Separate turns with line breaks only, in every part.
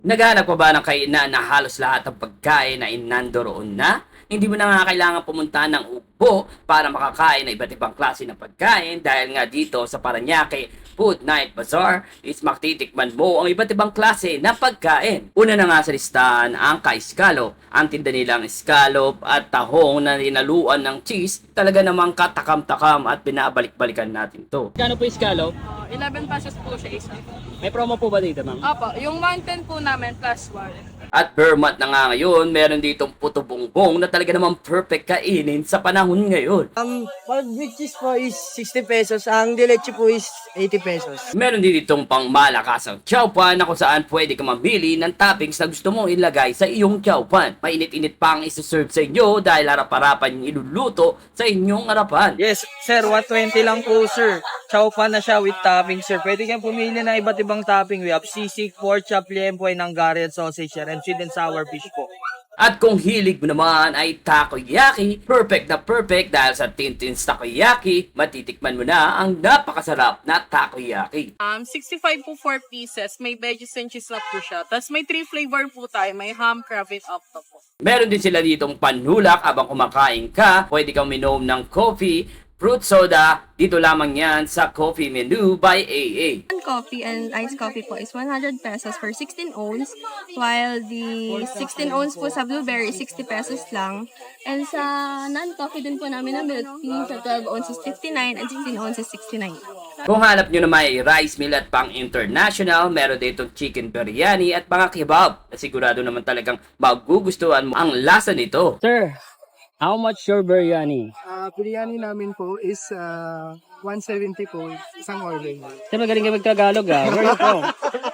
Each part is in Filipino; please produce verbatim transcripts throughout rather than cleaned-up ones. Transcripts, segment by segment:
Naghanap ka ba ng kainan na halos lahat ng pagkain ay nandoroon na? Hindi mo na nga kailangan pumunta ng Ugbo para makakain ng iba't ibang klase ng pagkain dahil nga dito sa Paranaque Food Night Bazaar is maktitikman mo ang iba't ibang klase ng pagkain. Una na nga sa listahan ang ka-scallop. Ang tinda nilang scallop at tahong na ninaluan ng cheese talaga namang katakam-takam at binabalik-balikan natin to. Kano po scallop?
Uh, eleven pesos po siya isa.
May promo po ba dito, ma'am?
Opo, yung one ten po namin plus one.
At Vermont na nga ngayon, meron ditong puto bongbong na talaga namang perfect kainin sa panahon ngayon.
Ang pag with cheese po is sixty pesos, ang dileche po is eighty pesos.
Meron din ditong pang malakasang chowpan na kung saan pwede ka mamili ng toppings na gusto mong ilagay sa iyong chowpan. Mainit-init pa ang isuserve sa inyo dahil harap-harapan yung iluluto sa inyong harapan.
Yes, sir, one twenty lang po, sir. Chow pan na siya with topping, sir. Pwede kang pumili ng iba't ibang topping. We have sisig, pork chop, liempo, and Hungarian sausage, and sweet and sour fish po.
At kung hilig mo naman ay takoyaki, perfect na perfect dahil sa Tintin's Takoyaki, matitikman mo na ang napakasarap na takoyaki.
Um, sixty-five po four pieces. May veggies and cheese na po siya. Tapos may three flavor po tayo. May ham, crab, and octopus.
Meron din sila ditong panulak habang kumakain ka, pwede kang minom ng coffee, fruit soda, dito lamang yan sa coffee menu by A A.
Coffee and iced coffee po is one hundred pesos for sixteen ounce, while the sixteen ounce po sa blueberry sixty pesos lang. And sa non-coffee din po namin na milk tea sa twelve ounces fifty-nine and sixteen ounces sixty-nine.
Kung hanap nyo na may rice meal at pang international, meron ditong chicken biryani at mga kebab. Sigurado naman talagang magugustuhan mo ang lasa nito.
Sir, how much your biryani?
Ah, biryani namin po is ah, one seventy po, isang order.
Sir, magaling ka magtagalog ah. Where you from?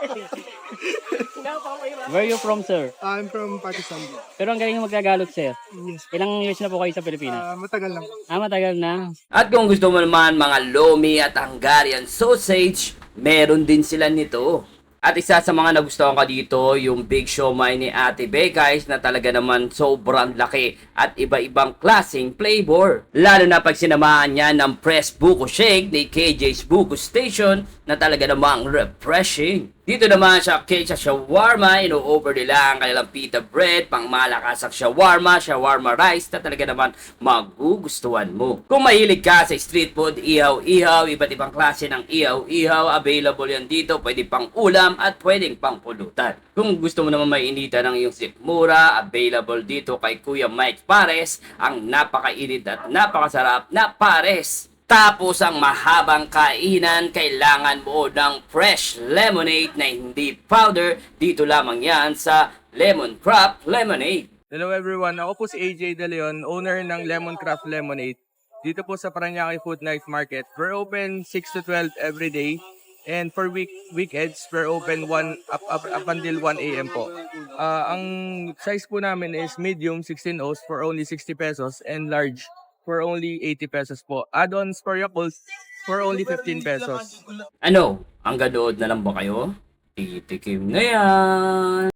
Where you from, sir?
Ah, I'm from Pakistan.
Pero ang galing magtagalog, sir.
Yes.
Ilang years na po kayo sa Pilipinas?
Ah, matagal lang.
Ah, matagal na.
At kung gusto mo naman mga lomi at Hungarian sausage, meron din sila nito. At isa sa mga nagustuhan ko dito, yung Big Siomai ni Ate Bekais na talaga naman sobrang laki at iba-ibang klaseng flavor. Lalo na pag sinamahan niya ng Press Buko Shake ni K J's Buko Station na talaga namang refreshing. Dito naman sa Kecha Shawarma, ino-over nila ang kanilang pita bread, pang malakasak shawarma, shawarma rice na talaga naman magugustuhan mo. Kung mahilig ka sa street food, ihaw-ihaw, iba't ibang klase ng ihaw-ihaw, available yan dito, pwede pang ulam at pwedeng pang pulutan. Kung gusto mo naman mainitan ng iyong sikmura, available dito kay Kuya Mike Pares, ang napakainit at napakasarap na pares. Tapos ang mahabang kainan, kailangan mo ng fresh lemonade na hindi powder. Dito lamang yan sa Lemon Crop Lemonade.
Hello everyone, ako po si A J De Leon, owner ng Lemon Craft Lemonade. Dito po sa Paranaque Food Night Market. We're open six to twelve every day. And for week weekends, we're open one up, up, up until one A M po. Uh, ang size po namin is medium, sixteen ounce for only sixty pesos and large for only eighty pesos po. Add-ons for Yakult for only fifteen pesos.
Ano? Ang ganood na lang ba kayo? Titikim na yan!